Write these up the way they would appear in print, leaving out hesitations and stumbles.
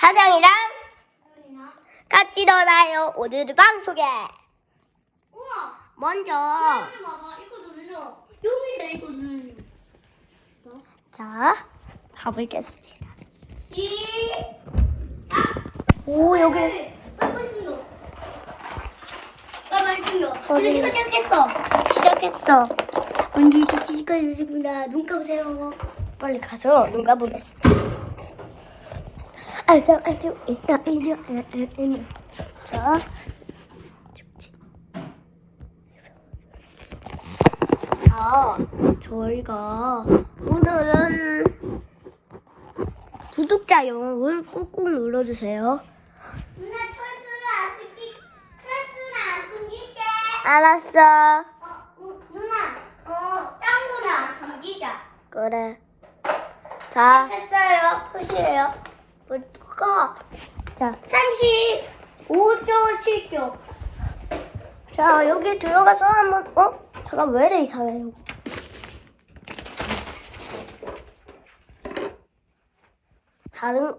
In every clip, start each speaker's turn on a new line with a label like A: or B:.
A: 하정이랑 같이 놀아요. 오늘의 방송에
B: 우와.
A: 먼저
B: 봐봐. 이거 눌러. 여기다 이거 눌러.
A: 자 가보겠습니다.
B: 오
A: 여기.
B: 빨리 숨겨. 빨리 숨겨.
A: 소리.
B: 이거 시작했어. 언니 이거 시작했구나. 눈 감으세요.
A: 빨리 가서 눈 감보겠습니다. 자 저희가 오늘은 구독자 영역을 꾹꾹 눌러주세요.
B: 누나 철수를 안 숨길게.
A: 알았어.
B: 누나, 짱구는 안 숨기자.
A: 그래. 자,
B: 했어요. 끝이에요.
A: 볼까? 자,
B: 35초, 7초.
A: 자 여기 들어가서 한번 잠깐 왜 이래 이상해요. 다른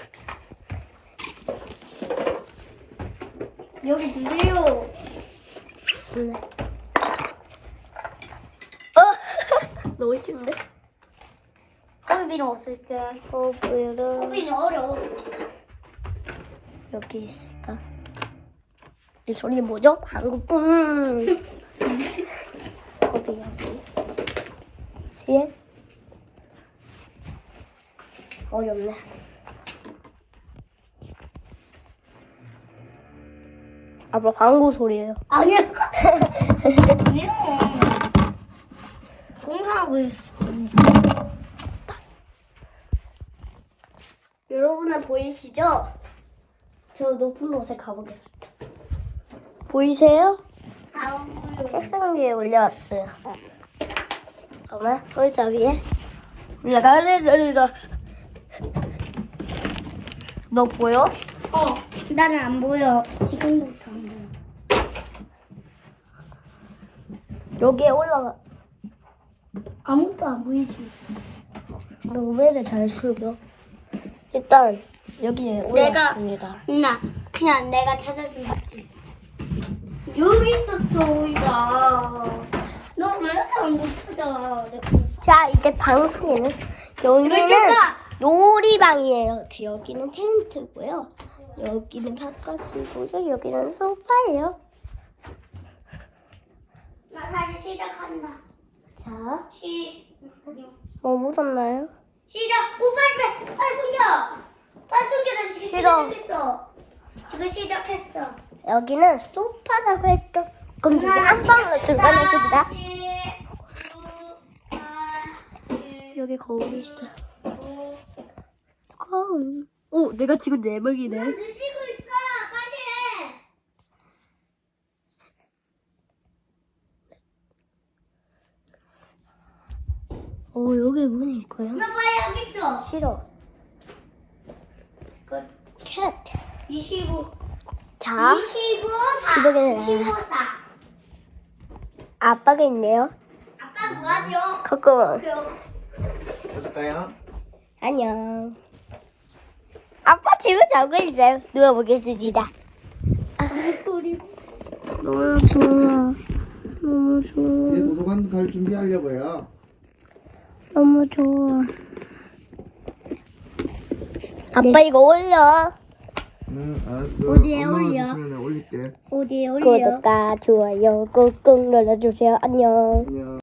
B: 여기 주세요.
A: 몰래. 너무 쉬운데?
B: 호비는 없을게.
A: 호비는
B: 호비는 어려워.
A: 여기 있을까? 이 소리 뭐죠? 방금 호비 여기. 뒤에 어렵네. 아빠 방구 소리예요.
B: 아니야. 아니야. 공부하고 있어.
A: 여러분은 보이시죠? 저 높은 곳에 가보겠습니다. 보이세요? 책상 위에 올려왔어요. 그러면 의자 위에 올라가야 되다. 너 보여?
B: 나는 안 보여. 지금부터 안 보여.
A: 여기에 올라가.
B: 아무것도 안 보이지.
A: 너 왜 이래 잘 숙여? 일단 여기에 올라왔습니다.
B: 누나, 그냥 내가 찾아주지. 여기 있었어, 오이가. 너 왜 이렇게 안 찾아?
A: 자, 이제 방송에는 여기는
B: 왼쪽가.
A: 놀이방이에요. 여기는 텐트고요. 여기는 바깥이고요. 여기는 소파예요.
B: 나 다시 시작한다.
A: 자,
B: 뭐
A: 묻었나요?
B: 시작. 오, 빨리 숨겨. 빨리 숨겨. 나 지금
A: 싫어.
B: 시작했어. 지금 시작했어.
A: 여기는 소파라고 했죠. 그럼 저기 안방으로 들어가겠습니다.
B: 10, 9, 8,
A: 여기 거울이 있어요.
B: 5.
A: 거울. 오, 내가 지금 네 명이네.
B: 늦고 있어. 빨리 해.
A: 오, 여기 문이 있고요.
B: 나 빨리 하겠어.
A: 싫어.
B: 끝.
A: 캣.
B: 25.
A: 자,
B: 25,
A: 이거는
B: 4. 25, 4.
A: 아빠가 있네요.
B: 아빠 뭐하죠?
A: 거꾸로.
C: 찾을까요?
A: 안녕. 아빠 지금 자고 있어요. 누워보겠습니다. 너무 좋아. 너무 좋아.
C: 이제 도서관 갈 준비하려고요.
A: 너무 좋아. 아빠 이거 올려.
C: 알았어.
B: 어디에
C: 엄마가
B: 올려?
C: 주시면 내가 올릴게.
B: 어디에 올려?
A: 구독과 좋아요 꾹꾹 눌러주세요. 안녕.
C: 안녕.